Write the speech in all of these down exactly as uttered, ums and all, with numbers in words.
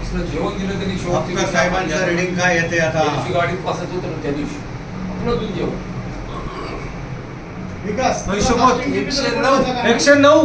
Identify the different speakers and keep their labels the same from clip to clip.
Speaker 1: ऑफिसला जेवण दिलं त्यांनी
Speaker 2: अप्पर साहेबांचं रिडिंग काय येते आता?
Speaker 1: त्या दिवशी गाडीत बसायचं होतं ना त्या दिवशी आपलं दूध जेवण
Speaker 3: विकास
Speaker 4: एकशे नऊ एकशे नऊ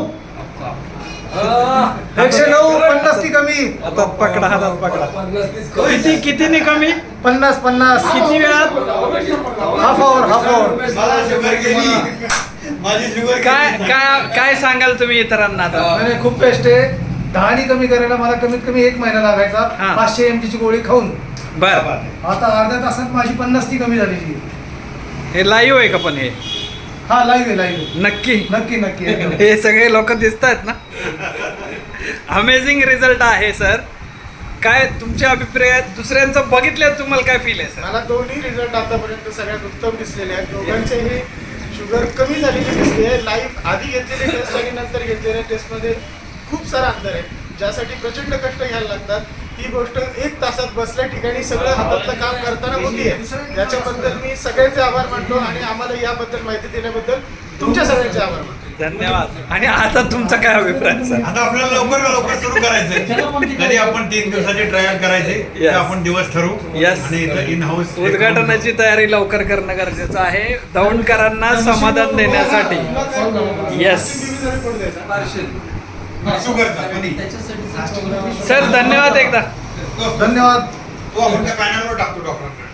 Speaker 4: एकशे नऊ पन्नास ती कमी.
Speaker 5: आता पकडा हातात पकडा.
Speaker 4: किती कितीने कमी? पन्नास पन्नास किती वेळात? Half hour half hour.
Speaker 2: मला शुगर गेली, माझी शुगर
Speaker 5: काय काय काय सांगाल तुम्ही इतरांना आता?
Speaker 4: नाही, खूप बेस्ट आहे. दहानी कमी करायला मला कमीत कमी एक महिना लागायचा
Speaker 5: हा.
Speaker 4: पाचशे एम ची गोळी खाऊन.
Speaker 5: बर
Speaker 4: आता अर्ध्या तासात माझी पन्नास ती कमी झालेली.
Speaker 5: हे लाईव्ह आहे का पण हे?
Speaker 4: हा लाईव्ह आहे लाईव्ह.
Speaker 5: नक्की
Speaker 4: नक्की नक्की एकदम.
Speaker 5: हे सगळे लोक दिसत आहेत ना. अमेझिंग रिझल्ट आहे सर. काय तुमच्या अभिप्रायात दुसऱ्यांचं बघितल्यावर तुम्हाला काय फील आहे सर?
Speaker 3: मला दोन्ही रिझल्ट आतापर्यंत सगळ्यात उत्तम दिसलेले आहेत. दोघांचेही शुगर कमी झालेली दिसते आहे. लाईव्ह आधी घेतलेली टेस्ट आणि नंतर घेतलेल्या टेस्टमध्ये खूप सारा अंतर आहे, ज्यासाठी प्रचंड कष्ट घ्यायला लागतात. ही गोष्ट एक तासात बसल्या ठिकाणी सगळं हातातलं काम करताना होती आहे. त्याच्याबद्दल मी सगळ्यांचे आभार मानतो आणि आम्हाला याबद्दल माहिती देण्याबद्दल तुमच्या सगळ्यांचे आभार मानतो.
Speaker 5: धन्यवाद. आणि आता तुमचा काय अभिप्राय सर?
Speaker 2: आता आपल्याला लवकर लवकर सुरू करायचं. कधी आपण तीन दिवसाची ट्रायल करायचे ते
Speaker 5: Yes.
Speaker 2: आपण दिवस ठरवू.
Speaker 5: Yes.
Speaker 2: आणि इन हाऊस
Speaker 5: उद्घाटनाची तयारी लवकर करणं गरजेचं आहे दौंडकरांना समाधान देण्यासाठी. Yes.
Speaker 2: शुगरचा कधी
Speaker 5: सर धन्यवाद एकदा.
Speaker 4: धन्यवाद.
Speaker 2: तो आपण त्या पॅनलवर टाकतो डॉक्टर.